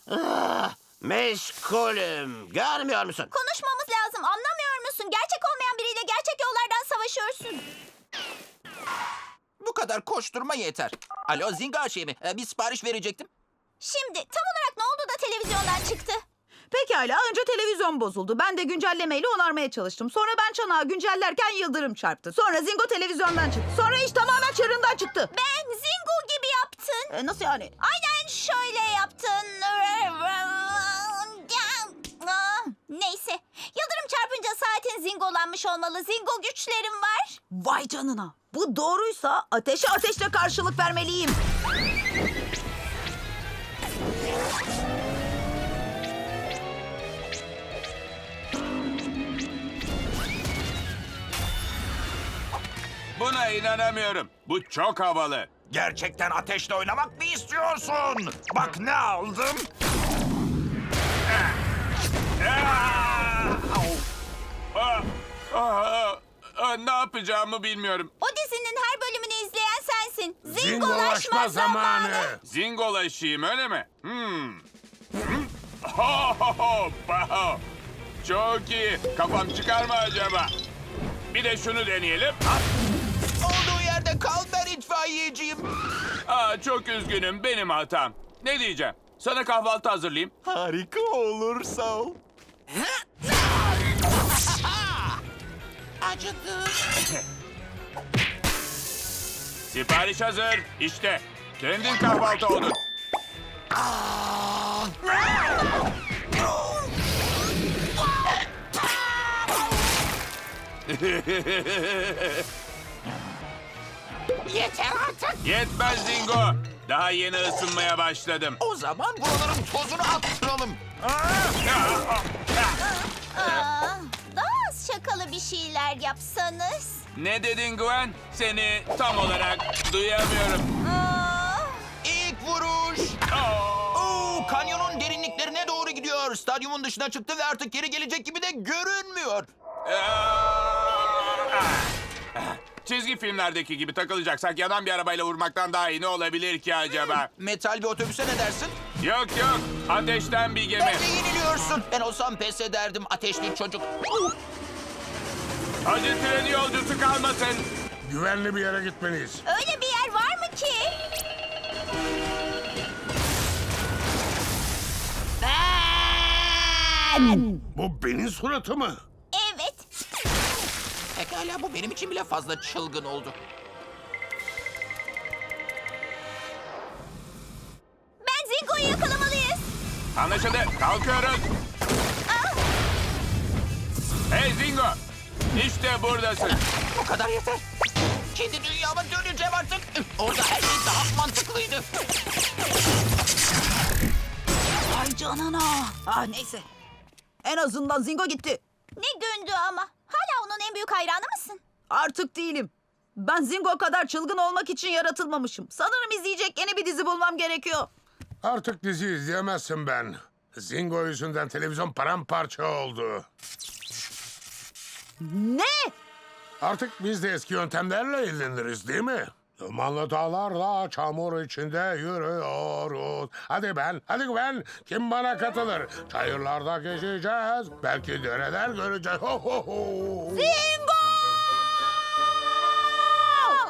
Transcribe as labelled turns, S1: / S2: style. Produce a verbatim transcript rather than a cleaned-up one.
S1: Ah, meşgulüm. Görmüyor musun?
S2: Konuşmamız lazım. Anlamıyor musun? Gerçek olmayan biriyle gerçek yollardan savaşıyorsun.
S3: Bu kadar koşturma yeter. Alo Zinga şey mi? Ee, bir sipariş verecektim.
S2: Şimdi tam olarak ne oldu da televizyondan çıktı?
S4: Pekala, önce televizyon bozuldu. Ben de güncellemeyle onarmaya çalıştım. Sonra ben çanağı güncellerken yıldırım çarptı. Sonra Zingo televizyondan çıktı. Sonra iş tamamen çığırından çıktı.
S2: Ben Zingo gibi yaptın.
S4: E, nasıl yani?
S2: Aynen şöyle yaptın. Ah, neyse. Yıldırım çarpınca saatin zingolanmış olmalı. Zingo güçlerim var.
S4: Vay canına. Bu doğruysa ateşe ateşle karşılık vermeliyim.
S5: Buna inanamıyorum. Bu çok havalı.
S6: Gerçekten ateşle oynamak mı istiyorsun? Bak ne aldım.
S5: Aa, aa, aa, ne yapacağımı bilmiyorum.
S2: O dizinin her bölümünü izleyen sensin. Zingolaşma,
S6: Zingolaşma
S2: zamanı.
S6: zamanı.
S5: Zingolaşayım öyle mi? Hmm. Hmm. Ho, ho, ho, ho. Çok iyi. Kafam çıkar mı acaba? Bir de şunu deneyelim.
S3: Olduğu yerde kal, ben itfaiyeciyim.
S5: Aa, çok üzgünüm. Benim hatam. Ne diyeceğim? Sana kahvaltı hazırlayayım.
S6: Harika olur, sağ ol.
S3: Acıdı.
S5: Sipariş hazır. İşte. Kendin kahvaltı oldun.
S3: Yeter artık.
S5: Yetmez Zingo. Daha yeni ısınmaya başladım.
S3: O zaman buraların tozunu attıralım.
S2: Aa, daha az şakalı bir şeyler yapsanız.
S5: Ne dedin Gwen? Seni tam olarak duyamıyorum.
S2: Aa,
S3: İlk vuruş.
S5: Aa!
S3: Oo, kanyonun derinliklerine doğru gidiyor. Stadyumun dışına çıktı ve artık geri gelecek gibi de görünmüyor.
S5: Aa! Çizgi filmlerdeki gibi takılacaksak yanan bir arabayla vurmaktan daha iyi ne olabilir ki acaba?
S3: Metal bir otobüse ne dersin?
S5: Yok yok. Ateşten bir gemi.
S3: Bence yeniliyorsun. Ben olsam pes ederdim ateşli çocuk.
S5: Acı treni yolcusu kalmasın.
S6: Güvenli bir yere gitmeliyiz.
S2: öyle bir yer var mı ki?
S6: Bu benim suratı mı?
S2: Evet.
S3: Pekala bu benim için bile fazla çılgın oldu.
S2: Ben Zingo'yu yakalamalıyız.
S5: Anlaşıldı. Kalkıyoruz.
S2: Ah,
S5: Hey Zingo. İşte buradasın.
S3: Bu kadar yeter. Kendi dünyama döneceğim artık. Orada her şey daha mantıklıydı.
S4: Vay canına. Ah neyse. En azından Zingo gitti.
S2: ne gündü ama. Hala onun en büyük hayranı mısın?
S4: Artık değilim. Ben Zingo kadar çılgın olmak için yaratılmamışım. Sanırım izleyecek yeni bir dizi bulmam gerekiyor.
S6: Artık dizi izleyemezsin ben. Zingo yüzünden televizyon paramparça oldu.
S4: Ne?
S6: Artık biz de eski yöntemlerle ilgileniriz değil mi? Dumanlı dağlarla çamur içinde yürüyoruz. Hadi ben, hadi ben. Kim bana katılır? Çayırlarda gezeceğiz. Belki dereler göreceğiz. Ho ho ho.
S4: Zingo!